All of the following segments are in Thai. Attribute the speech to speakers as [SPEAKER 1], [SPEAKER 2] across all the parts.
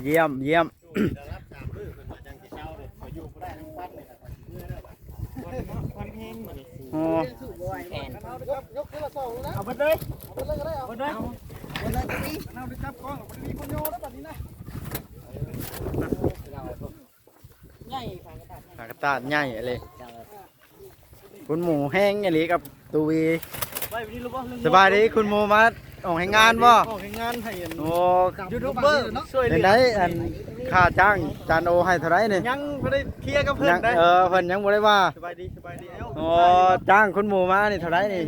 [SPEAKER 1] เยี่ยมเยี่ยมโอ้เอาไปเลยเอาไปเลยก็ได้เอาไปเลยเอาไปเลยก็ดีเอาไปจับกล้องเอาไปมีคนโยนแล้วแบบนี้นะใหญ่ผากระตาดใหญ่เลยคุณหมูแห้งอย่างนี้กับตูวีสบายดีคุณหมูมาออกให้งานบ่ออกให้งานให้โอ้ยูทูบเบอร์ช่วยเหลืออันค่าจ้างจานโอให้เท่าไรเนี่ยยังไม่ได้เคลียร์กับเพื่อนได้เพื่อนยังไม่ได้ว่าสบายดีโอ้จ้างคุณหมูมานี่เท่าไรนี่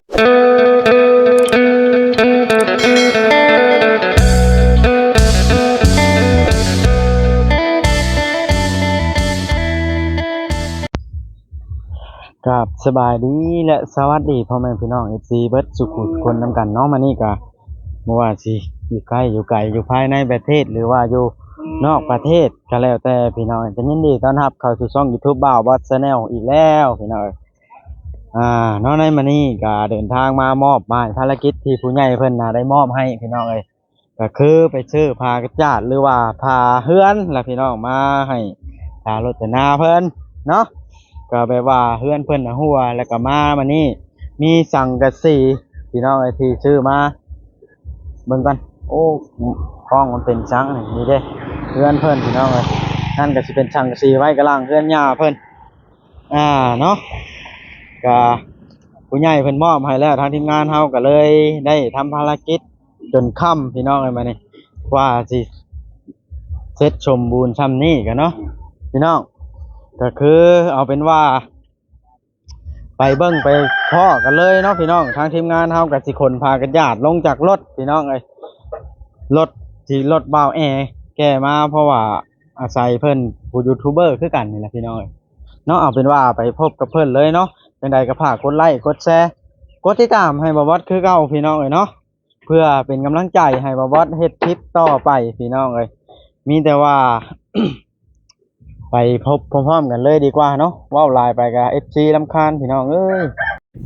[SPEAKER 1] ครับสบายดีและสวัสดีพ่อแม่พี่น้องFCเบิร์ดสุขุทุกคนนำกันเนาะมานี่กะเมื่อว่าสิอยู่ใกล้อยู่ไกลอยู่ภายในประเทศหรือว่าอยู่นอกประเทศก็แล้วแต่พี่น้องจะยินดีต้อนรับเข้าสู่ช่อง YouTube บ่าวบอสชาแนลอีกแล้วพี่น้องน้องในมานี่ก็เดินทางมามอบหมายภารกิจที่ผู้ใหญ่เพิ่นได้มอบให้พี่น้องก็คือไปซื้อผ้ากระจาดหรือว่าผ้าเฮือนล่ะพี่น้องมาให้ทางรถนาเพิ่นเนาะก็แบบว่าเฮือนเพิ่นหัวแล้วก็มานี่มีสังกะสีพี่น้องที่ซื้อมาเบิ่งกันโอ้กล้องมันเป็นสังนี่เด้เฮือนเพิ่นพี่น้องนั่นก็สิเป็นสังกะสีไว้กำลังเฮือนหญ้าเพิ่นเนาะก็ผู้ใหญ่เพิ่นมอบให้แล้วทางทีมงานเฮาก็เลยได้ทำภารกิจจนค่ำพี่น้องมานี่ว่าสิเสร็จสมบูรณ์ซ้ำนี้กันเนาะพี่น้องก็คือเอาเป็นว่าไปเบิ้งไปพ่อกันเลยเนาะพี่น้องทางทีมงานเฮากับสิคนพากันญาติลงจากรถพี่น้องรถที่รถบ่าวแอแก่มาเพราะว่าอาศัยเพิ่นผู้ยูทูบเบอร์คือกันนี่แหละพี่น้องเนาะเอาเป็นว่าไปพบกับเพิ่นเลยเนาะจังใดก็ฝากกดไลค์กดแชร์กดติดตามให้บ่าวบอสคือเก่าพี่น้องเนาะเพื่อเป็นกำลังใจให้บ่าวบอสเฮ็ดคลิปต่อไปพี่น้องมีแต่ว่า ไปพบพร้อมๆกันเลยดีกว่าเนาะว้าวไลน์ไปกับ FC ลำคาญพี่น้องเอ้ย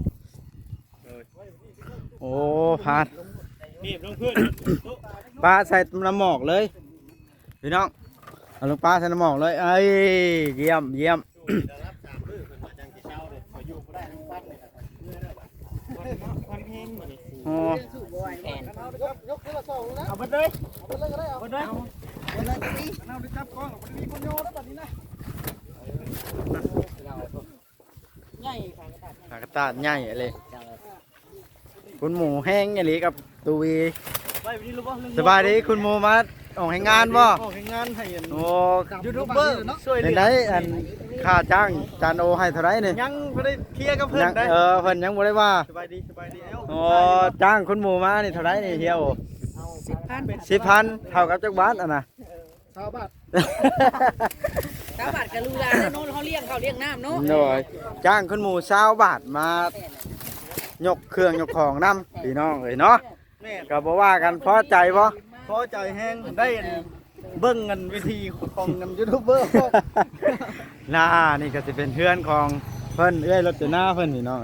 [SPEAKER 1] โอ้พาดปลาใส่น้ำหมอกเลยพี่น้องเอาลงปลาใส่น้ำหมอกเลยเอ้ยเยี่ยมเยี่ยมโอ้เอาไปเลยเอาไปเลยก็ได้เอาไปเลยเอาไปจับกล้องเอาไปมีคนโยนแล้วแบบนี้นะใหญ่ผากระตาดใหญ่เลยคุณหมูแห้งอย่างนี้กับตูวีสบายดีคุณหมูมาออกให้งานบ่ออกให้งานให้โอ้ยูทูบเบอร์ช่วยเหลืออันค่าจ้างจานโอให้เท่าไรเนี่ยยังไม่ได้เคลียร์กับเพื่อนได้เพื่อนยังไม่ได้ว่าสบายดีโอ้จ้างคุณหมูมานี่เท่าไรนี่เฮียว10,000เท่ากับจักบาทนะ20 บาท
[SPEAKER 2] 20 บาทกับลูลาโน่นเขาเลี้ยงน้ำเนาะ
[SPEAKER 1] จ้างคุณหมู20 บาทมายกเครื่องยกของน้ำพี่น้องเนาะก็บอกว่ากันพอใจบ่พอใจแห้งได้เบิ้งเงินวิธีของเงินยูทูบเบอร์นี่ก็จะเป็นเพื่อนของเพิ่นเอ้ยรถจะหน้าเพิ่นพี่น้อง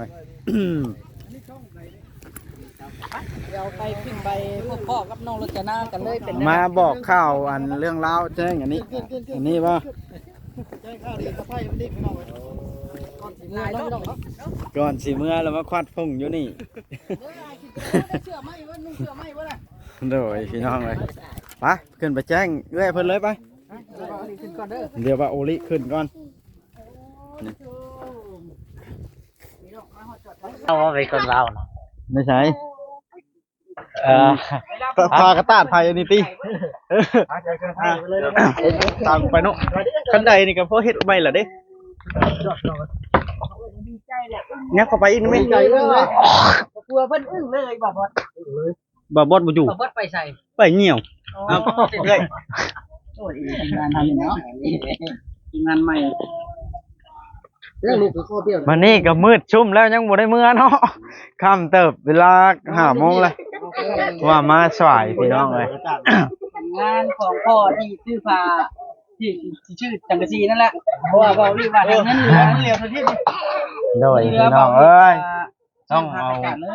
[SPEAKER 2] เราไปขึ้นไปพวกพ่อกับน้องรจนากันเลยเป็น
[SPEAKER 1] มาบอกข่าวอันเรื่องเล่าแจ้งอันนี้ว่าแจ้งข่าวดีสะพายมันดีพี่น้องก่อนสิเมื่อเรามาควัดพุ่งอยู่นี่
[SPEAKER 2] เชื่อไหมว่านุ่งเชื่อไหมวะล่ะ
[SPEAKER 1] โดยพี่น้องเลยไปขึ้นไปแจ้งเรื่อยเพิ่นเลยไปเดี๋ยวว่าโอลิขึ้นก่อน
[SPEAKER 2] เอาไปคนเราเนาะ
[SPEAKER 1] ไม่ใช่พากระตาดพายอันนี้ตีตามไปเนาะขั้นใดนี่ก็เพราะเฮ็ดไม่ล่ะเด้เนี่ยเข้าไปอีกไม่ใจเลย
[SPEAKER 2] กลัวเพิ่นอึ้งเลยบ่บอส
[SPEAKER 1] บ่อยู่
[SPEAKER 2] บ่บอสไปใส่
[SPEAKER 1] ไปเหี่ยว
[SPEAKER 2] เลยโอ้ยงานทำเนาะงานใหม่เรื่องลูกคือข้อเบี้ยว
[SPEAKER 1] มันนี่ก็มืดชุ่มแล้วยังบ่ได้เมื่อเนาะค่ำเติบเวลา5 โมงเลยว่ามาสายพี่น้องเลย
[SPEAKER 2] งานของพ่อที่ชื่อพาที่ชื่อจังกะซีนั่นแหละเพราะว่าเว้ารีว่าทางนั้นเหลือที่
[SPEAKER 1] โดยพี่น้องเอ้ยต้องเอา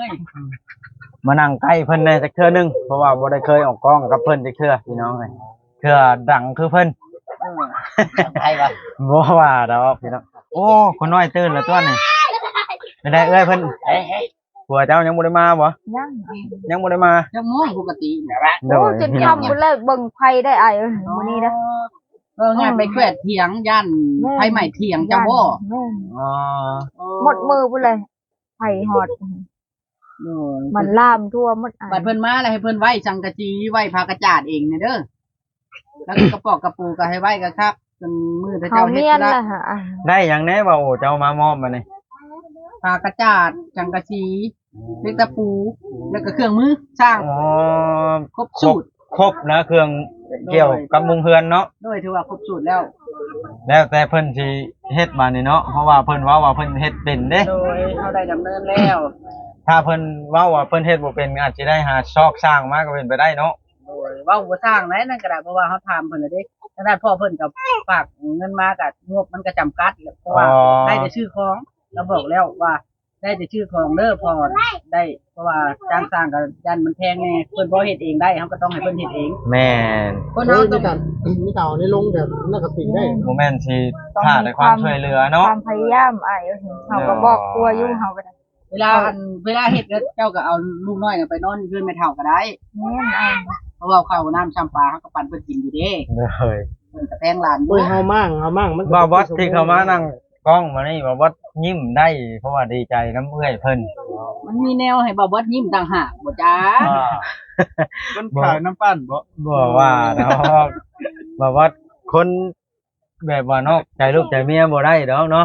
[SPEAKER 1] มานั่งใกล้เพิ่นได้สักเทื่อนึงเพราะว่าบ่ได้เคยออกกล้องกับเพิ่นจักเทื่อพี่น้องเอ้ยเถื่อดังคือเพิ่น
[SPEAKER 2] ใครวะ
[SPEAKER 1] บ่ว่าดอกพี่น้องโอ้คนน้อยตื่นแล้วตัวนี่ไม่ได้เอ้ยเพิ่น
[SPEAKER 2] เฮ้ย
[SPEAKER 1] ผัวเจ้ายังบ่ได้มาบ่
[SPEAKER 3] ยัง
[SPEAKER 1] ยังบ่ได้มา
[SPEAKER 2] จะม่วงปกตินะ
[SPEAKER 1] โด
[SPEAKER 3] โอ้
[SPEAKER 1] ย
[SPEAKER 3] จนคำบุญเลยเบิ่งไผได้ไอ้มื้อนี้นะ
[SPEAKER 2] งานไปแขวดเถียงย่านไผใหม่เถียงเจ้าบ่
[SPEAKER 3] แม่น
[SPEAKER 1] อ๋อ
[SPEAKER 3] หมดมือพุ่นเลยไผหอด มันลามทั่วหมด
[SPEAKER 2] บัดเพิ่นมาแล้วให้เพิ่นไว้สังกะจีไว้ผ้ากระจาดเองเนี่ยเด้อแล้วก็กระปอกกระปูก็ให้ไว้ก็ครับจนมือแต่
[SPEAKER 3] เฮา
[SPEAKER 2] เจ้าเฮ็ด
[SPEAKER 3] เมียน
[SPEAKER 2] ละ
[SPEAKER 3] ล่ะฮะ
[SPEAKER 1] ได้หยังแน่ว่าโอ้เจ้ามามอบมานี่
[SPEAKER 2] ผ้ากระจาดสังกะจีเล็กตะปูแล้วก็เครื่องมือสร้าง
[SPEAKER 1] อ๋อ
[SPEAKER 2] ครบสูตร
[SPEAKER 1] ครบนะเครื่องเกี่ยวกับมุงเฮือนเนาะ
[SPEAKER 2] โดยถือว่าครบสูตรแล้ว
[SPEAKER 1] แล้วแต่เพิ่นสิเฮ็ดมานี่เนาะเพราะว่าเพิ่นเว้าว่าเพิ่นเฮ็ดเป็นเด้
[SPEAKER 2] โดยเฮาได้ดำเนินแล้ว
[SPEAKER 1] ถ้าเพิ่นเว้าว่าเพิ่นเฮ็ดบ่เป็นอาจสิได้หาซอกสร้างมาก็เป็นไปได้เนาะ
[SPEAKER 2] โดยเว้าบ่สร้างไหนนั่นก็ได้เพราะว่าเฮาถามเพิ่นแล้วเด้ทางด้านพ่อเพิ่นก็ฝากเงินมาก็งบมันก็จำกัดเพราะว่าได้แต่ชื่อของเราบอกแล้วว่าได้แต่ชื่อของเด้อพอได้เพราะว่าจ้างสร้างก็ยันมันแพงไงเพิ่นบ่เฮ็ดเองได้เฮาก็ต้องให้เพิ่นเฮ็ดเอง
[SPEAKER 1] แม่น
[SPEAKER 2] คน
[SPEAKER 4] เฮ้
[SPEAKER 2] เฮาย ต้อง
[SPEAKER 4] มีเต่าในลงแบบนักติ่งได้
[SPEAKER 1] บ่แม่นสิขาดในความช่วยเหลือเนาะ
[SPEAKER 3] ความพยายามไอ้เฮาก็บอกตัวอยู่เฮาก็ได้
[SPEAKER 2] เวลาเฮ็ดแล้วเจ้าก็เอาลูกน้อยน่ะไปนอนเพื่อนแม่เฒ่าก็ได้
[SPEAKER 3] แม่นไอ้
[SPEAKER 2] เพราะว่าข้าวน้ำชำปลาเฮาก็ปั่นเพิ่นกินอยู่เด้
[SPEAKER 1] เลย
[SPEAKER 2] เพิ่นก็แพงหลานอ
[SPEAKER 4] โอ้
[SPEAKER 2] ยู่
[SPEAKER 4] ยเฮามั่งมัน
[SPEAKER 1] บ่วัดที่เขามานั่งกล้องมานี่บ่วัดยิ้มได้เพราะว่าดีใจน้ำเอื้อยเพิ่น
[SPEAKER 2] มันมีแนวให้บ่เบิดยิ้มต่างหากบ่จ้า
[SPEAKER 4] คนขายน้ำปั้นบ่
[SPEAKER 1] บ่ว่าเนาะบ่วัดคนแบบว่านอกใจลูกใจเมียบ่ได้ดอกเนาะ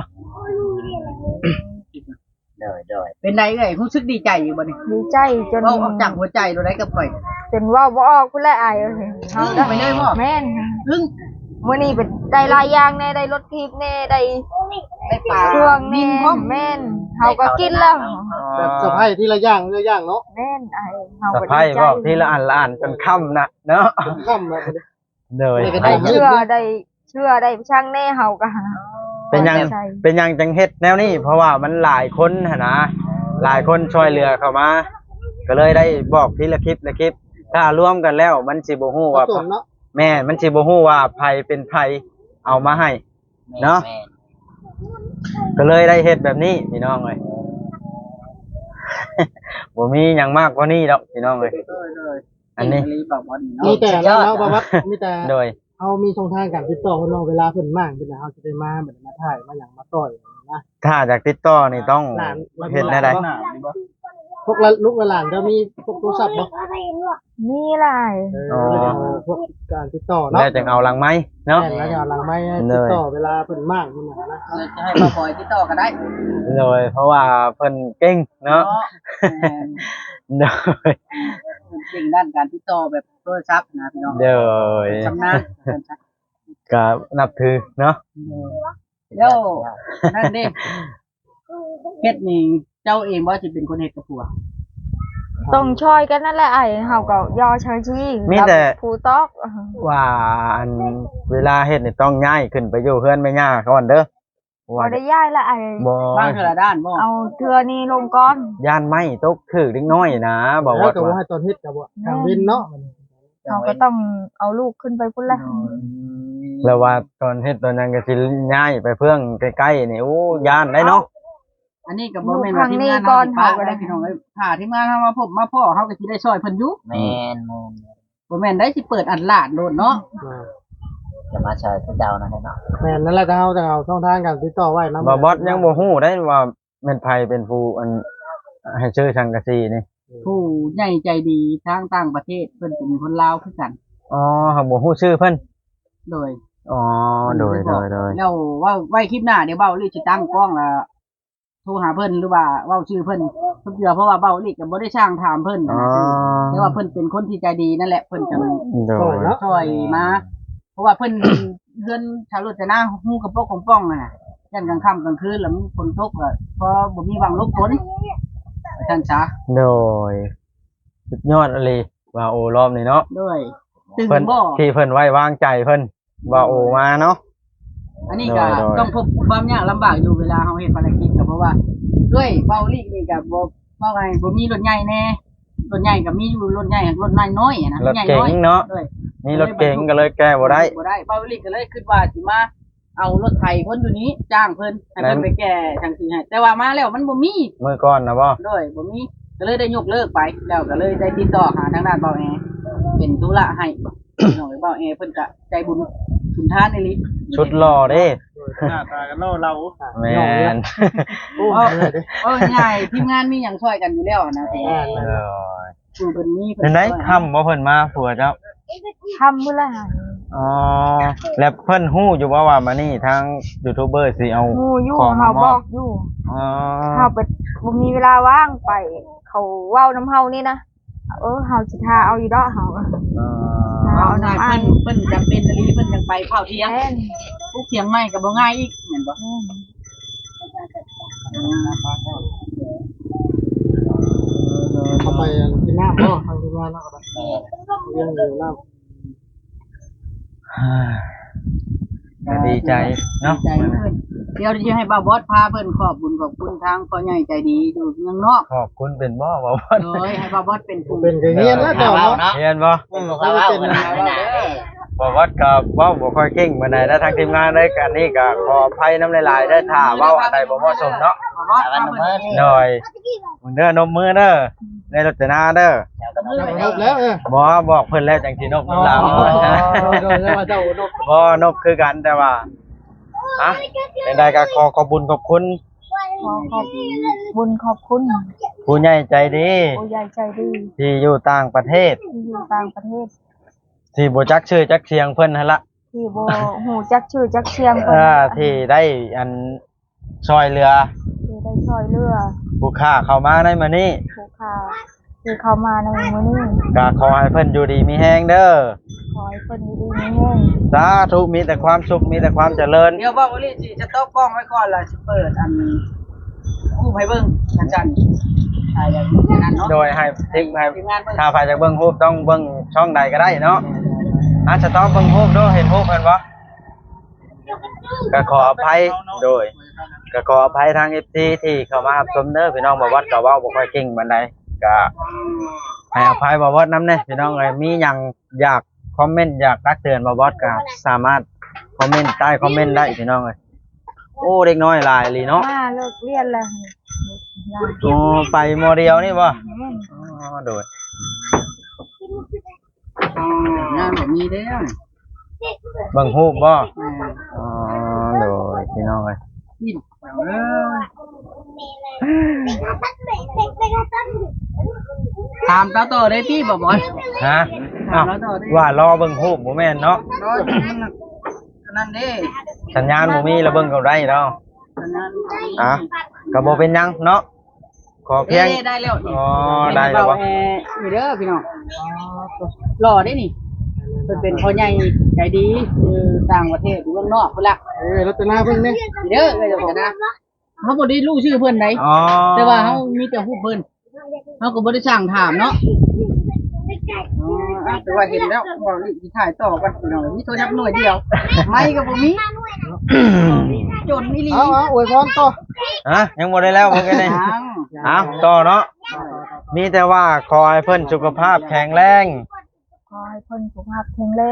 [SPEAKER 2] เป็นไดเอ้ยรู้สึกดีใจอยู่บ่นี่
[SPEAKER 3] ดีใจจน
[SPEAKER 2] เว้าออกจากหัวใจโดยได้กับข่อย
[SPEAKER 3] จนเว้าบ่ออกพุ่นแหละไอ้เฮา
[SPEAKER 2] ไปเลยบ่
[SPEAKER 3] แม่น
[SPEAKER 2] อึ้ง
[SPEAKER 3] มื้อนี้เป็นได้หลายอย่างแน่ได้รถทิพย์แน่ได้
[SPEAKER 2] ได้ปลา
[SPEAKER 3] เครื่องแน่
[SPEAKER 2] พร้อม
[SPEAKER 3] แม่นเฮาก็กินแล้ว
[SPEAKER 4] แบบสะพายที่ละอย่างละอย่างเนาะ
[SPEAKER 3] แม่นไอ้เฮา
[SPEAKER 1] สะ
[SPEAKER 3] ก็
[SPEAKER 1] พา
[SPEAKER 3] ดี
[SPEAKER 1] ย
[SPEAKER 3] ใจ
[SPEAKER 1] บอกทีละอันละอันจนค่ำนะเนาะ
[SPEAKER 4] ค่ำมา
[SPEAKER 1] เลย
[SPEAKER 3] ได้เชื่อได้ช่างแน่เฮาก็
[SPEAKER 1] เป็นหยัง
[SPEAKER 3] ใจ
[SPEAKER 1] เป็นหยังจังเฮ็ดแนวนี้เพราะว่ามันหลายคนหั่นนะหลายคนช่วยเหลือเข้ามา ก็เลยได้บอกทีละคลิปถ้ารวมกันแล้วมันสิบ่ฮู้ว่า
[SPEAKER 4] ส่วนเนาะ
[SPEAKER 1] แม่มันสิบ่ฮู้ว่าไผเป็นไผเอามาให้เนาะก็เลยได้เฮ็ดแบบนี้พี่น้องเอ้ย บ่มีหยังมากกว่านี้ดอกพี่น้องเอ้ย อันนี้
[SPEAKER 2] บอกบ่นี่เนาะ
[SPEAKER 4] มีแต่แล้วเนาะบ่วัดมีแต่
[SPEAKER 1] โดย
[SPEAKER 4] เฮามีช่องทางการติดต่อคนเนาะเวลาเพิ่นมั่งเพิ่นเฮาสิได้มาแบบมาถ่ายมาหยังมาต่อยนะ
[SPEAKER 1] ถ้าจากติดต่อนี่ต้องเฮ็ดได้ใด
[SPEAKER 4] พวกลูกหลานจะมีพวกโทรศัพท์บ่
[SPEAKER 3] มีหลาย
[SPEAKER 4] พวกการติดต่อเนาะ
[SPEAKER 1] แล้วจึงเอาหลังไม้เนาะ
[SPEAKER 4] แล้วจะหลังไม้ติดต่อเวลาเพิ่นมั่งมันนะ
[SPEAKER 2] จะให้มาปล่อยติดต่อก็ได้
[SPEAKER 1] เลยเพราะว่าเพิ่นเก่งเนาะโดย
[SPEAKER 2] จริงด้านการติดต่อแบบโทรศัพท์นะพี่น้อง
[SPEAKER 1] โดย
[SPEAKER 2] ชำนาญ
[SPEAKER 1] ก็นับถือเนาะ
[SPEAKER 2] แล้วนั่นเด้เฮ็ดนี่เจ้าเองว่าจะเป็นคนเฮ็ดกับผัว
[SPEAKER 3] ต้องช่วยกันนั่นแหละไอ้เฮาก็ยอเชยชี้
[SPEAKER 1] มีแต่
[SPEAKER 3] ผู้ตอก
[SPEAKER 1] ว่าอันเวลาเฮ็ดนี่ต้องย้ายขึ้นไปอยู่เฮือนแม่ย่าก่อนเด้อ
[SPEAKER 3] บ่
[SPEAKER 1] ว่า
[SPEAKER 3] ได้ย้ายละไอ้
[SPEAKER 1] บ่
[SPEAKER 2] บ้างเทอละด้านบ่
[SPEAKER 3] เอาเทือนี้ลงก่อน
[SPEAKER 1] ย่านไม้ตกถึกเล็กน้อยนะบอก
[SPEAKER 4] แล้ว
[SPEAKER 1] ว่า
[SPEAKER 4] ก็ว่าให้ตอนเฮ็ดกับว่าทางเว้นเนาะ
[SPEAKER 3] เฮาก็ต้องเอาลูกขึ้นไปพุ่นแหละ
[SPEAKER 1] แล้วว่าตอนเฮ็ดตอนนั้นก็สิย้ายไปเพื่องใกล้ๆนี่โอ้ย่านได้เนาะ
[SPEAKER 2] อันนี้ก็บ่แม่นว่าทีมงานเฮาป้าก็ได้พี่น้องเอ้ยถ้าทีมงานเฮามาพบมาพ่อเฮาก็สิได้ช่วยเพิ่นอยู่
[SPEAKER 5] แม่น
[SPEAKER 2] บ่แม่นได้สิเปิดอันลาดโลดเนาะ
[SPEAKER 5] จะมาช่วยพระเจ้านะเนาะ
[SPEAKER 4] แม่นั่นแหละจะเอาช่องทางการติดต่อไว้นำ
[SPEAKER 1] บ่บอสยังบ่ฮู้ได้ว่าแม่นไผเป็นผู้อันให้ชื่อชังกะซีนี่
[SPEAKER 2] ผู้ใหญ่ใจดีทางต่างประเทศเพิ่นเป็นคนลาวคือกัน
[SPEAKER 1] อ๋อเฮาบ่ฮู้ชื่อเพิ่น
[SPEAKER 2] โดย
[SPEAKER 1] อ๋อโดย
[SPEAKER 2] แล้วว่าไว้คลิปหน้าเดี๋ยวเบ้าลี่สิตั้งกล้องแล้วโทรหาเพิ่นหรือว่าเว้าชื่อเพิ่นทุกเดือเพราะว่าเบ้าลี่ก็บ่ได้ช่างถามเพิ่น
[SPEAKER 1] อ๋อ
[SPEAKER 2] แต่ว่าเพิ่นเป็นคนที่ใจดีนั่นแหละเพิ่นจะ
[SPEAKER 1] โดย
[SPEAKER 2] ช่วยมา เพราะว่าเพิ่นเดือนชาวรถแต่หน้าฮู้กับปกของป้องน่ะยันกลางค่ำกลางคืนแล้วมันฝนตกก็พอบ่มีวังลบฝนอาจารย์จ๋า
[SPEAKER 1] โดยสุดยอดเลยว่าโอรอบนี้เนาะ
[SPEAKER 2] ด้วยตึง
[SPEAKER 1] เพิ่น
[SPEAKER 2] บ่
[SPEAKER 1] ที่เพิ่นไว้วางใจเพิ่นว่าโอมาเนาะ
[SPEAKER 2] อันนี้ก็
[SPEAKER 1] โดย
[SPEAKER 2] ต้องพบความยากลำบากอยู่เวลาเฮาเฮ็ดภารกิจก็เพราะว่าด้วยเบ้าลี่นี่ก็บ่ไงบ่มีรถใหญ่แน่รถใหญ่ก็มีอยู่รถใหญ่รถน้อยๆอะนะ
[SPEAKER 1] รถ
[SPEAKER 2] ใหญ่
[SPEAKER 1] เก๋
[SPEAKER 2] น้อย
[SPEAKER 1] งเนาะ
[SPEAKER 2] ด้วย
[SPEAKER 1] มีรถเก๋งก็เลยแก้บ่ได้
[SPEAKER 2] บ่ได้บ่าวลิก็เลยคิดว่าสิมาเอารถไถคนอยู่นี้จ้างเพิ่นให้เพิ่นไปแก้จังซี่ให้แต่ว่ามาแล้วมันบ่มี
[SPEAKER 1] มื้อก่อนนะบ่
[SPEAKER 2] ด้วยบ่มีก็เลยได้ยกเลิกไปแล้วก็เลยได้ติดต่อหาทางด้านบ่าวแอเป็นธุระให้น้องบ่าวแอเพิ่นก็ใจบุญสุนทานอีหลี
[SPEAKER 1] ชุดหล่อเด้
[SPEAKER 4] หน้าตากันเรา
[SPEAKER 1] แม่น
[SPEAKER 4] โอ้ยเลยเด้
[SPEAKER 2] ง่ายทีมงานมีหยังช่วยกันอยู่แล้วนะพี่
[SPEAKER 1] เออ
[SPEAKER 2] คือเพิ่นมี
[SPEAKER 1] เป็นไดค่ำบ่เพิ่นมาผัวเจ้า
[SPEAKER 3] ทำมื้อละหัน
[SPEAKER 1] อ๋อแล้วเพิ่นฮู้อยู่ว่ามานี่ทางยูทูบเบอร์สิเอา
[SPEAKER 3] หมู่อยู่
[SPEAKER 1] ของ
[SPEAKER 3] เฮาม
[SPEAKER 1] อบ
[SPEAKER 3] อกอยู่
[SPEAKER 1] อ๋อ
[SPEAKER 3] เฮาไปบ่มีเวลาว่างไป เขาเว้าน้ำเฮานี่นะเฮาสิทาเอาอยู่ดอกเฮา
[SPEAKER 1] อ๋อ
[SPEAKER 2] เอาหน่อยเพิ่นจำเป็นอีหลีเพิ่นจังไปเผาเที่ยง
[SPEAKER 3] แม่น
[SPEAKER 2] พวกเที่ยงใหม่ก็บ่ง่ายอีกแม่นบ่
[SPEAKER 4] เอาไปกินน้ำบ่ทางทีมงานเนาะครับ
[SPEAKER 5] แม่
[SPEAKER 4] เรื่องอยู่น้ำ
[SPEAKER 1] ก็ดีใจเนาะ
[SPEAKER 2] ใจเพิ่นเดี๋ยวจะให้บ่าวบอสพาเพิ่นขอบบุญขอบคุณทางพ่อใหญ่ใจดีอยู่เมืองนอก
[SPEAKER 1] ขอบคุณเป็นบ่บ่
[SPEAKER 2] โดยให้บ่าวบอสเป็นผู้
[SPEAKER 4] เป็นไงเฮียนแล้วเจ้า
[SPEAKER 5] เว้า
[SPEAKER 4] เนาะ
[SPEAKER 5] เนาะ
[SPEAKER 1] เรียนบ่
[SPEAKER 5] เป็นพวกเราเว้ากันนะนะ
[SPEAKER 1] บ่วัดก็เว้าบ่ค่อยเก่งปานใดแล้วทางทีมงานได้กันนี่ก็ขออภัยน้ำหลายๆเด้อถ้าเว้าอันใดบ่เหมาะสมเนาะ
[SPEAKER 2] บ่าวบอสพาเพิ่น
[SPEAKER 1] หน่อยเด้อนมมือเด้อในรถนาเด้อ
[SPEAKER 4] นกแล้ว
[SPEAKER 1] บ่บอกเพิ่นแล้วจังสินกน้ำหลัง
[SPEAKER 4] โดยว่าเจ้านก
[SPEAKER 1] บ่นกคือกันแต่ว่าอะเป็นใดก็ขอบคุญขอบคุณ
[SPEAKER 3] ขอขอบบุญขอบคุณ
[SPEAKER 1] ผู้ใหญ่ใจดี
[SPEAKER 3] ผู้ใหญ่ใจดี
[SPEAKER 1] ที่อยู่ต่างประเทศ
[SPEAKER 3] ที่อยู่ต่างประเทศ
[SPEAKER 1] ที่บ่จักชื่อจักเสียงเพิ่นหั่นละ
[SPEAKER 3] ที่บ่ฮู้จักชื่อจักเสียง
[SPEAKER 1] ที่ได้อันช่วยเหลือ
[SPEAKER 3] ที่ได้ช่วยเหลือ
[SPEAKER 1] ผู้ค้าเข้ามาในมื้อนี้
[SPEAKER 3] ผู้ค้าที่เข้ามาในมื้อนี้
[SPEAKER 1] ก็ขอให้เพิ่นอยู่ดีมีแฮงเด้อ
[SPEAKER 3] ขอให้เพิ่นอยู่ดีมีแรง
[SPEAKER 1] สาธุมีแต่ความสุขมีแต่ความเจริญ
[SPEAKER 2] เดี๋ยวบ่าวลิสิจะต๊อกกล้องไว้ก่อนล่ะสิเปิดอันรูปให้เบิ่งจันอย่างนั้นเนาะ
[SPEAKER 1] โดยให้ทิกให้
[SPEAKER 2] ทีมงานเบิ่ง
[SPEAKER 1] ถ้าใครจะเบิ่งรูปต้องเบิ่งช่องใดก็ได้เนาะจะต้องเบิ่งรูปด้วยเห็นรูปเพิ่นบ่ก็ขออภัยโดยก็ขออภัยทาง FC ที่เข้ามารับชมเด้อพี่น้องบ่วัดก็เว้าบ่ค่อยเก่งปานใดก็ให้อภัยบ่วัดนำเด้พี่น้องเอ้ยมีหยังอยากคอมเมนต์อยากตักเตือนบ่วัดก็สามารถคอมเมนต์ใต้คอมเมนต์ได้พี่น้องเอ้ยโอ้เด็กน้อยหลายอีหลีเนาะ
[SPEAKER 3] มาเลิกเรียนแล้ว
[SPEAKER 1] โอ้ไปโมเดียวนี่บ่อ๋อโดย
[SPEAKER 2] งานแบบนี้เด้อ
[SPEAKER 1] เบิ่งรูปบ่อ๋อโดยพี่น้องเอ้ย
[SPEAKER 2] กินถามตาต่อได้ที่บ่บอส
[SPEAKER 1] ฮะอ้าวว่ารอเบิ่งรูปบ่แม่นเนาะ
[SPEAKER 2] รอนั่นเด้
[SPEAKER 1] สัญญาณบ่มีแล้วเบิ่งก็ได้ดอกอ่ะก็บ่เป็นหยังเนาะขอเพียง
[SPEAKER 2] ได้แล้ว
[SPEAKER 1] อ๋อได้แล้วบ่
[SPEAKER 2] นี่เด้อพี่น้องรอได้นี่เพิ่นเป็นพ่อใหญ่ใจดีคือต่างประเทศอยู่เมืองนอกพุ่นละ
[SPEAKER 4] รัตนาเพิ่งเนี่ย
[SPEAKER 2] นี่เด้อเอ้ยเดี๋ยวนะเฮาบ่ได้รู้ชื่อเพิ่นได
[SPEAKER 1] อ๋อ
[SPEAKER 2] แต่ว่าเฮามีแต่ฮู้เพิ่นเฮาก็บ่ได้สั่งถามเนาะแต่ว่าเห็นแล้วบ่รีบสิถ่ายต่อกันพี่น้องมีโทรศัพท์หน่วยเดียวไม้ก็บ่มีจนอีหลี
[SPEAKER 4] เอาอวยพรต่อ
[SPEAKER 1] ฮะยังบ่ได้แล้วบ่กันนี่
[SPEAKER 2] ยัง
[SPEAKER 1] อ้าวต่อเนาะมีแต่ว่าขอให้เพิ่นสุขภาพแข็งแรง
[SPEAKER 3] ขอให้เพิ่นสุขภาพแข็งแรง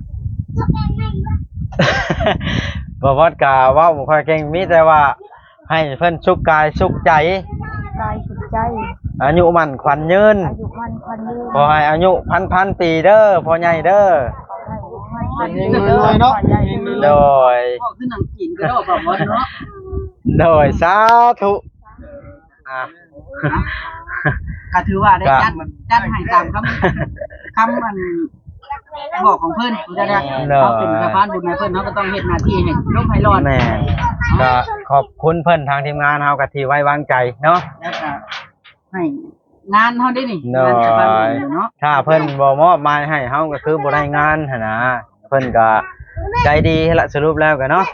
[SPEAKER 1] บ่พอดกะเว้าบ่ค่อยเก่งมีแต่ว่าให้เพิ่นสุขกายสุขใจ
[SPEAKER 3] กายสุขใจ
[SPEAKER 1] อายุมั่นขวัญยืน
[SPEAKER 3] อายุมันควันยืน
[SPEAKER 1] ขอให้อายุพันปีเด้อพ่อใหญ่เด้อ
[SPEAKER 3] อายุมันควันยืน
[SPEAKER 4] เนาะ
[SPEAKER 1] โดย
[SPEAKER 2] ก็คือหนังจีนก็ได้บ่บ่เนาะ
[SPEAKER 1] โดยสาธุอ่ะ
[SPEAKER 2] ก็ถือว่าได้จัดให้ตามคำมันบอกของเพิ่นจะได้เขาเป็นสะพานบุญให้เพิ่นเขาก็ต้องเฮ็ดหน้าที่ให้ลูกให้รอด
[SPEAKER 1] แม่ก็ขอบคุณเพิ่นทางทีมงานเฮาก็ที่ไว้วางใจเนาะ
[SPEAKER 2] แล้วก็ให้งานเฮาได้นี่
[SPEAKER 1] โดย
[SPEAKER 2] งานสะพานบุญเนาะ
[SPEAKER 1] ถ้าเพิ่นบ่มอบหมายให้เฮาก็คือบ่ได้งานหั่นนะเพิ่นก็ใจดีละสรุปแล้วกันเนาะ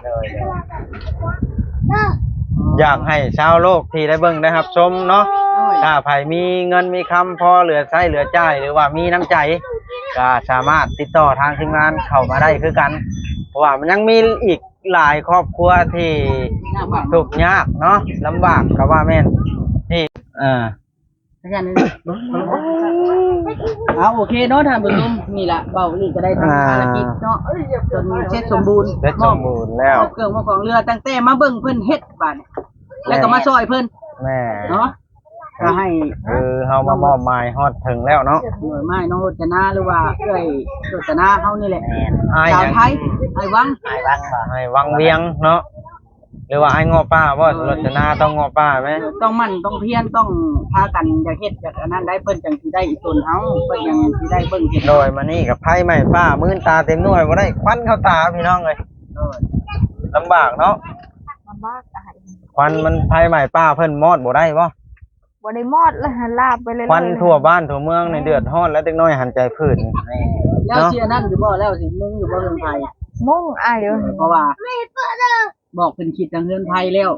[SPEAKER 1] อยากให้ชาวโลกที่ได้เบิ่งได้รับชมเนาะถ้าไผมีเงินมีคำพอเหลือใช้เหลือจ่ายหรือว่ามีน้ำใจก็สามารถติดต่อทางทีมงานเข้ามาได้คือกันเพราะว่ามันยังมีอีกหลายครอบครัวที่ทุกข์ยากเนาะลำบากก็ว่าแม่นที่
[SPEAKER 2] ขยันเลยเอาโอเคเนาะท่านผู้ชมนี่ล่ะเบาอีก็ได้ทำภารกิจเนาะจนเสร็จสมบูรณ์
[SPEAKER 1] เสร็จสมบูรณ์แล้ว
[SPEAKER 2] เครื่องมาของเรือตั้งแต่มาเบิ่งเพิ่นเฮ็ดบาดนี้แล้วก็มาซอยเพิ่น
[SPEAKER 1] แม่
[SPEAKER 2] เนาะก็ให้
[SPEAKER 1] เฮามามอบหมายฮอดถึงแล้วเนาะ
[SPEAKER 2] หน่วยไม้น้องรจนาหรือว่าเอ้ยรจนาเฮานี่แหละ
[SPEAKER 1] อ้าย
[SPEAKER 2] ชาว
[SPEAKER 1] หยัง
[SPEAKER 2] ไทยไอ้วัง
[SPEAKER 5] หายบ้างบ่
[SPEAKER 1] ให้วังเวียงเนาะหรือว่าไอ้งอป้าบ่รจนาต้องงอป้าไหม
[SPEAKER 2] ต้องมั่นต้องเพียรต้องพากันอยากเฮ็ดอยากอันนั้นได้เพิ่นจังสิได้อีตนเฮาเพิ่นยังสิได้เบิ่งเห็น
[SPEAKER 1] โดยมานี่กับไพ่ใหม่ป้ามื้นตาเต็มหน่วยบ่ได้ควันเข้าตาพี่น้องเลยลำบากเนาะ
[SPEAKER 3] ลำบากอ้าย
[SPEAKER 1] ควันมันไพ่ใหม่ป้าเพิ่นมอดบ่ได้บ่
[SPEAKER 3] บ่ได้มอดแล้วหันลาบไปเลย
[SPEAKER 1] ควันทั่วบ้านทั่วเมืองในเดือดร้อนแล้วเด็กน้อยหันใจพืชนี่
[SPEAKER 2] แล้วเชื่อนั่นอยู่บ่แล้วสิมึงอยู่บ่เรื่องไทย
[SPEAKER 3] มุ่งอ้ายเอ้ย
[SPEAKER 2] เพราะว่าบอกเป็นคิดทางเรื่องไทยแล้ว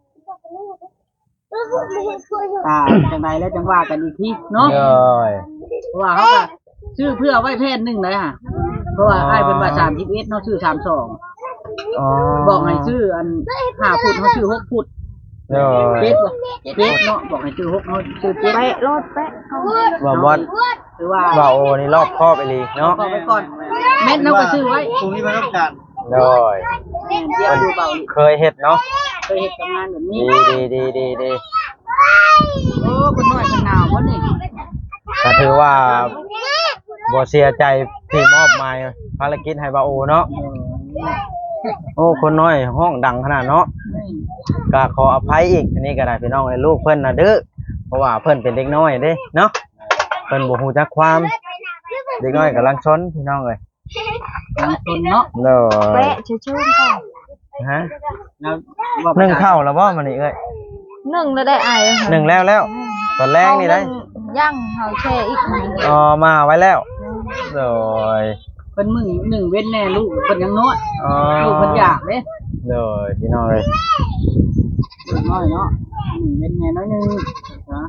[SPEAKER 2] จังไดแล้วจังว่ากันอีกทีเนาะ
[SPEAKER 1] เอ้ย
[SPEAKER 2] เพราะว่าเขาก็ซื้อเพื่อไว้แพทย์หนึงเลยฮะเพราะว่าอ้ายเพิ่นว่า31เนาะซื้อ32
[SPEAKER 1] อ๋อ
[SPEAKER 2] บอกให้ซื้ออัน5ฟุตเขาซื้อ6ฟุต
[SPEAKER 1] เอ้ย
[SPEAKER 2] เจ็ดบ่เจ็ดเนาะบอกให้ซื้อ6เนาะซื้อ7
[SPEAKER 3] ไปรถแปะเอา
[SPEAKER 1] ว่าวัด
[SPEAKER 2] หรือว่า
[SPEAKER 1] ว่าโอนี่รอบครอบไปลีเนาะ
[SPEAKER 2] ก็ไว้ก่อนเม็ดเนาะก็ซื้อไว้
[SPEAKER 4] ตรงนี้มันต้องการ
[SPEAKER 1] โดย
[SPEAKER 2] เดี๋ยวดูเบาอีก
[SPEAKER 1] เคยเฮ็ดเนาะ
[SPEAKER 2] เคยเฮ็ดทำงานแบบนี้
[SPEAKER 1] ดี
[SPEAKER 2] โอ้คนน้อยคนหนาวบ่นี่
[SPEAKER 1] ก็ถือว่าบ่เสียใจที่มอบหมายภารกิจให้บ่าโอเนาะโอ้คนน้อยห้องดังขนาดเนาะก็ขออภัยอีกอันนี้ก็ได้พี่น้องไอ้ลูกเพิ่นน่ะดื้อเพราะว่าเพิ่นเป็นเด็กน้อยเด้เนาะเพิ่นบ่ฮู้จักความเด็กน้อยกำลังซนพี่น้องเอ้ย
[SPEAKER 2] บางคนเนาะ
[SPEAKER 1] เด้อ
[SPEAKER 3] แปะชื่นๆก่อน
[SPEAKER 1] ฮะ
[SPEAKER 2] แล้วว่า
[SPEAKER 1] นึ่งข้าวแล้วบ่มื้อนี้เอ้ย
[SPEAKER 3] นึ่งแล้วได้อ้ายเอ้ย
[SPEAKER 1] นึ่งแล้วตอนแรกนี่ได้
[SPEAKER 3] ย่างเฮาแช่อีกหน่อย
[SPEAKER 1] อ๋อมาไว้แล้วโดย
[SPEAKER 2] เพิ่นมึงหนึ่งเว้นแน่ลูกเพิ่นยังน้อย
[SPEAKER 1] อ๋อ
[SPEAKER 2] ลูกเพิ่นอยากเด้
[SPEAKER 1] โดยพี่น้องเอ้ย
[SPEAKER 2] ลูกน้อยเนาะหนึ่งเว้นแน่น้อยหนึงนะ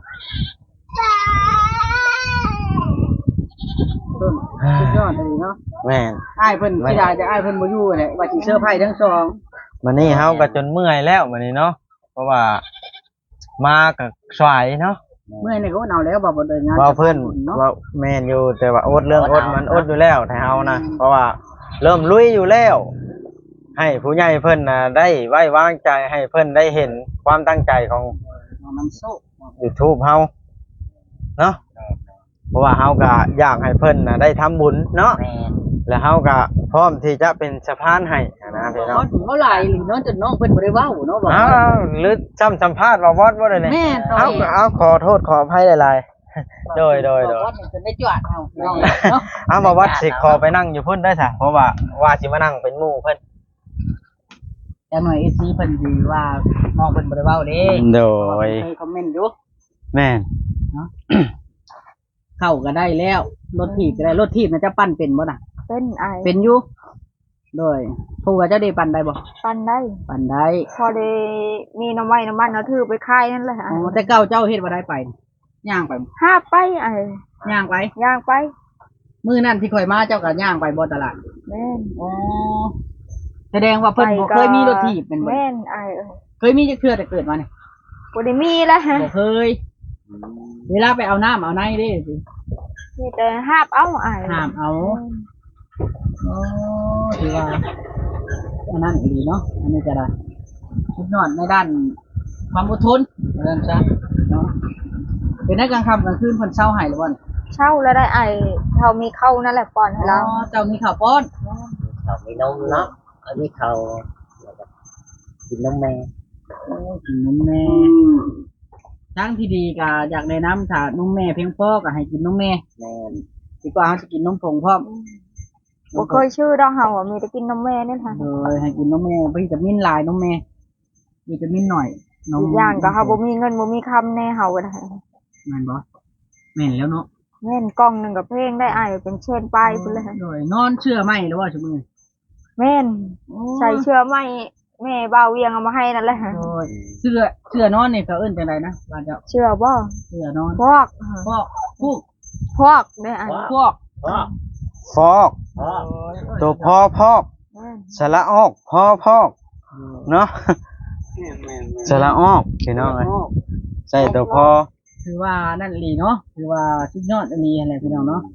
[SPEAKER 2] ต้นสุดยอดเลยเนาะ
[SPEAKER 1] แม่น
[SPEAKER 2] อ้ายเพิ่นสิได้แต่อ้ายเพิ่นบ่อยู่แหละว่าสิเซอร์ไพรส์ทั้งสอง
[SPEAKER 1] มื้อนี้เฮาก็จนเมื่อยแล้วมื้อนี้เนาะเพราะว่ามากับสายเนาะ
[SPEAKER 2] เมื่อนี่ก็เอาแล้วบ่ได้งาน
[SPEAKER 1] ว่าเพิ่น
[SPEAKER 2] เนาะ
[SPEAKER 1] ว่าแม่นอยู่แต่ว่าอดเรื่องอดมันอดอยู่แล้วแต่เฮานะเพราะว่าเริ่มลุยอยู่แล้ว ให้ผู้ใหญ่เพิ่นน่ะได้ไว้วางใจให้เพิ่นได้เห็นความตั้งใจของ
[SPEAKER 2] น้ำโซ่
[SPEAKER 1] YouTube เฮาเนาะเพราะว่าเฮาก็อยากให้เพิ่นน่ะได้ทำบุญเนาะ
[SPEAKER 5] แม่
[SPEAKER 1] แล้วเฮาก็พร้อมที่จะเป็นสะพานให้นะพี่น้อง
[SPEAKER 2] เขาหลายหรือน้องจนน้องเพิ่นบ่ได้เว้าเนาะบอก
[SPEAKER 1] อ้าวหรือซ้ำสัมภาษณ์ว่าวอดบ่ได้เนี่ย
[SPEAKER 2] แม่ตอน
[SPEAKER 1] เอา
[SPEAKER 2] นี้
[SPEAKER 1] เอาขอโทษขออภัยหลายๆ โดย
[SPEAKER 2] บอกว่าจนได้จวดเอาน้องเนาะ
[SPEAKER 1] เอามาวัดสิขอไปนั่งอยู่พุ่นได้ซะเพราะว่าสิมานั่งเป็นหมู่เพิ่น
[SPEAKER 2] แต่หน่อย FC เพิ่นดีว่าน้องเพิ่นบ่ได้เว้าเด้
[SPEAKER 1] โดย
[SPEAKER 2] เคยคอมเมนต์อยู่
[SPEAKER 1] แม่น
[SPEAKER 2] เข้าก็ได้แล้วรถถีบก็ได้รถถีบน่ะจะปั้นเป็นบ่น่ะ
[SPEAKER 3] เป็นอ้าย
[SPEAKER 2] เป็นอยู่โดยผู้ว่าเจ้าได้ปั้นได้บ่
[SPEAKER 3] ปันได้
[SPEAKER 2] ปั้นได้
[SPEAKER 3] พอได้มีน้ำไม้น้ำมันเอาถือไปขายนั่นแหละ
[SPEAKER 2] อ๋อแต่เก่าเจ้าเฮ็ดบ่ได้ไปย่างไป
[SPEAKER 3] ห้าไปอ้าย
[SPEAKER 2] ย่างไป
[SPEAKER 3] ย่างไป
[SPEAKER 2] มื้อนั้นที่ข่อยมาเจ้าก็ย่างไปบ่ตลาด
[SPEAKER 3] แม่น
[SPEAKER 2] อ๋อแสดงว่าเพิ่นบ่เคยมีรถถีบเป็นบ่
[SPEAKER 3] แม่นอ้ายเอ้ย
[SPEAKER 2] เคยมีจักเทื่อแต่เกิดมานี่
[SPEAKER 3] บ่ได้มีแล้วฮะ
[SPEAKER 2] บ่เคย เวลาไปเอาน้ำเอาในเด้สิ
[SPEAKER 3] มีแต่ห้าบเอาอ้าย
[SPEAKER 2] ห้ามเอาอ๋อถือว่าอันนั้นดีเนาะอันนี้จะได้สุดยอดในด้านความอดทนว่าซั่นซะเนาะเป็นในกลางค่ำกลางคืนเพิ่นเช้าให้หรือบ่
[SPEAKER 3] เช่าแล้วได้อ้ายเขามีเข้านั่นแหละป้อนให้
[SPEAKER 2] อ๋
[SPEAKER 3] เรา
[SPEAKER 2] อเจ้ามีข้าวป้อน
[SPEAKER 5] เขามีนมเนาะอันนี้เขาแล้วก็กินนมแม่
[SPEAKER 2] โอ้กินนมแม่ทางที่ดีก็อยากแนะนำถ้านมแม่เพียงพอก็ให้กินนมแม่
[SPEAKER 5] แม่
[SPEAKER 2] ดีกว่าเขาจะกินนมผงพร้อม
[SPEAKER 3] บ่เคยชื่อดอกเฮาอะมีแต่กินนมแม่นี่ค่ะ
[SPEAKER 2] เลยให้กินนมแม่วิตามินหลายนมแม่วิตามินหน่อยนม
[SPEAKER 3] อีกอย่างก็เฮาบ่มีเงินบ่มีคำแน่เฮาก็ได้
[SPEAKER 2] แม่นบ่แม่นแล้วเนาะ
[SPEAKER 3] แม่นกล่องหนึงกับเพลงได้อ้ายเป็นเช่นปลายพุ่นเลย
[SPEAKER 2] โดยนอนเชื่อไหมหรือว่าชั่วโมง
[SPEAKER 3] แม่นใส่เชือไม้แม่บ่าวเวียงเอามาให้นั่นแหละ
[SPEAKER 2] โดยเชื่อนอนนี่เขาเอิ้นจังไดนะว่าจะ
[SPEAKER 3] เชือบ่
[SPEAKER 2] เชื่อนอน
[SPEAKER 3] พอก
[SPEAKER 2] พวกพวก
[SPEAKER 3] พอกได้อ้าย
[SPEAKER 2] พวก
[SPEAKER 5] พ่อ
[SPEAKER 1] ฟอก
[SPEAKER 5] พ่อ
[SPEAKER 1] ตัวพอพอก
[SPEAKER 3] แม่น
[SPEAKER 1] สระออกพอพอกเนาะสระออกพี่น้องเอ้ยใส่ตัวพอ
[SPEAKER 2] คือว่านั่นอีหลีเนาะคือว่าสุดยอดอีหลีอะไรพี่น้องเนาะ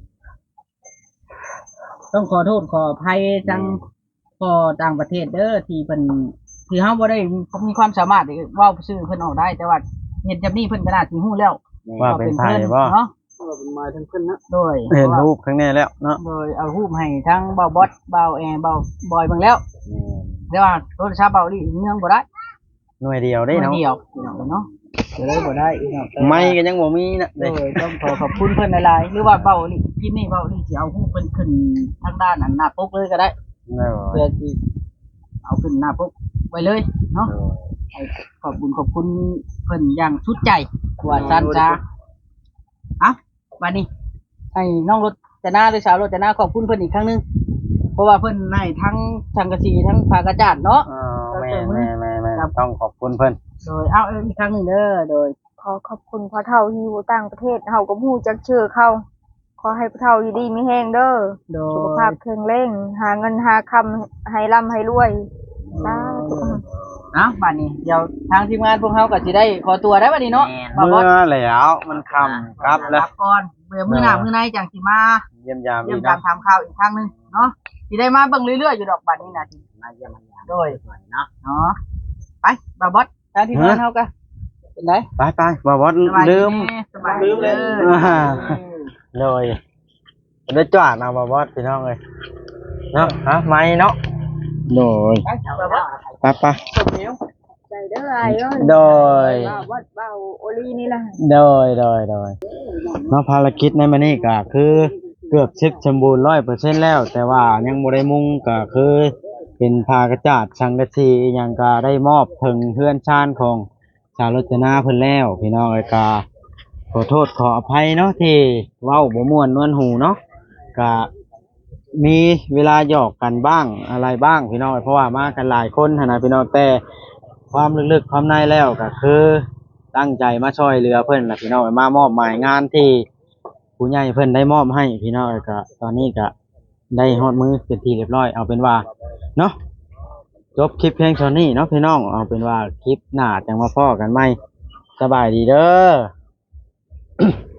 [SPEAKER 2] ต้องขอโทษขออภัยจังพอต่างประเทศเด้อที่เพิ่นที่เฮาบ่ได้มีความสามารถที่เว้าชื่อเพิ่นออกได้ แต่ว่าเห็นจำนี้เพิ่นก็น่าสิฮู้แล้ว
[SPEAKER 1] ว่าเป็นไทยบ่
[SPEAKER 2] เนาะ
[SPEAKER 4] ว่าเป็นมาทั้งเพิ่นนะ
[SPEAKER 2] โดย
[SPEAKER 1] เห็นรูปข้างในแล้วเนาะ
[SPEAKER 2] โดยเอารูปให้ทั้งเบาบอสเบาเบาบอยเบิ่งแล้วแต่ว่าโทรศัพท์เบาลี่เมืองบ่ได้
[SPEAKER 1] หน่วยเดียวได้
[SPEAKER 2] หน่วย
[SPEAKER 1] เนาะ
[SPEAKER 2] เดียวพี่น้องเนาะจะได้บ่ได้พี่น้อง
[SPEAKER 1] ไม่ก็ยังบ่มีนะ
[SPEAKER 2] โดยต้องขอบคุณเพิ่นหลายๆหรือว่าเบาลี่กินนี่เบาลี่สิเอารูปเพิ่นขึ้นทางด้านอันหน้าปกเลยก็ได้เพื่อสิเอาขึ้นหน้าปกไว้เลยเนาะขอบคุณเพิ่นอย่างสุดใจว่าซั่นจ้าอ่ะบัดนี้ให้น้องรถจะหน้าหรือสาวรถจะหน้าขอบคุณเพิ่นอีกครั้งนึงเพราะว่าเพิ่นให้ทั้งสังกะสีทั้งผ้ากระจาดเนาะ
[SPEAKER 1] แม่ต้องขอบคุณเพิ่น
[SPEAKER 2] โดยเอาอีกครั้งหนึ่งเด้อโดย
[SPEAKER 3] ขอขอบคุณพ่อเฒ่าที่อยู่ต่างประเทศเฮาก็ฮู้จักชื่อเขาขอให้พ่อเฒ่าอยู่ดีมีแฮงเด้อ
[SPEAKER 2] โด
[SPEAKER 3] สุข
[SPEAKER 2] ย
[SPEAKER 3] ภาพแข็งแรงหาเงินหาคำให้ร่ำให้รวยสาธุ
[SPEAKER 2] เอาบัดนี้เดี๋ยวทางทีมงานพวกเขาก็สิได้ขอตัวได้บัดนี้เนาะบ่
[SPEAKER 1] เมื่
[SPEAKER 2] บ่
[SPEAKER 1] อแล้วมันค่ำครับแล้ว
[SPEAKER 2] ก่อนเดี๋ยวมื้อหน้ามื้อในจังสิมา
[SPEAKER 1] เยี่ยมยาม
[SPEAKER 2] เยี่ย
[SPEAKER 1] อี
[SPEAKER 2] ม
[SPEAKER 1] ก
[SPEAKER 2] ยาม
[SPEAKER 1] เนาะ
[SPEAKER 2] ทำข่าวอีกครั้งหนึงเนาะสิได้มาเบิ่งเรื่อยๆอยู่ดอกบัดนี้นะ
[SPEAKER 5] มาเยี่ยมมันยาม
[SPEAKER 2] โดย
[SPEAKER 5] หน่อยเนาะ
[SPEAKER 2] เนาะไปบ่าวบอสทางทีมงานเฮาก็เป็นได
[SPEAKER 1] ไปบ่าวบอส
[SPEAKER 2] สบายดี
[SPEAKER 1] ลืม
[SPEAKER 2] สบายดีเลย
[SPEAKER 1] เลยได้จอดนะบ่าวบอสพี่น้องเอ้ยเนาะฮะไม่เนาะโดย
[SPEAKER 2] ไปบ่าวบอส
[SPEAKER 1] ไป
[SPEAKER 2] ส่งเหนียว
[SPEAKER 3] ใจเด้อไอ้เอ้ย
[SPEAKER 1] โดย
[SPEAKER 3] วัดเบาโอลีนี่ล่ะ
[SPEAKER 1] เนาะภารกิจในมื้อนี้ก็คือเกือบเช็คสมบูรณ์ 100% แล้ว แต่ว่ายังบ่ได้มุงก็คือเป็นผ้ากระจาดสังกะสีอิหยังก็ได้มอบถึงเฮือนชานของชาวรจนาเพิ่นแล้วพี่น้องเอ้ยก็ขอโทษขออภัยเนาะที่เว้าบ่ม่วนนวลหูเนาะก็มีเวลาหยอกกันบ้างอะไรบ้างพี่น้องเอ้ยเพราะว่ามากันหลายคนหั้นนะพี่น้องแต่ความลึกๆความในแล้วก็คือตั้งใจมาช่วยเหลือเพิ่นล่ะพี่น้องเอ้ยมามอบหมายงานที่ผู้ใหญ่เพิ่นได้มอบให้พี่น้องเอ้ยก็ตอนนี้ก็ได้ฮอดมือเป็นที่เรียบร้อยเอาเป็นว่าเนาะจบคลิปเพียงเท่านี้เนาะพี่น้องเอาเป็นว่าคลิปหน้าจังมาพ้อกันใหม่สบายดีเด้อ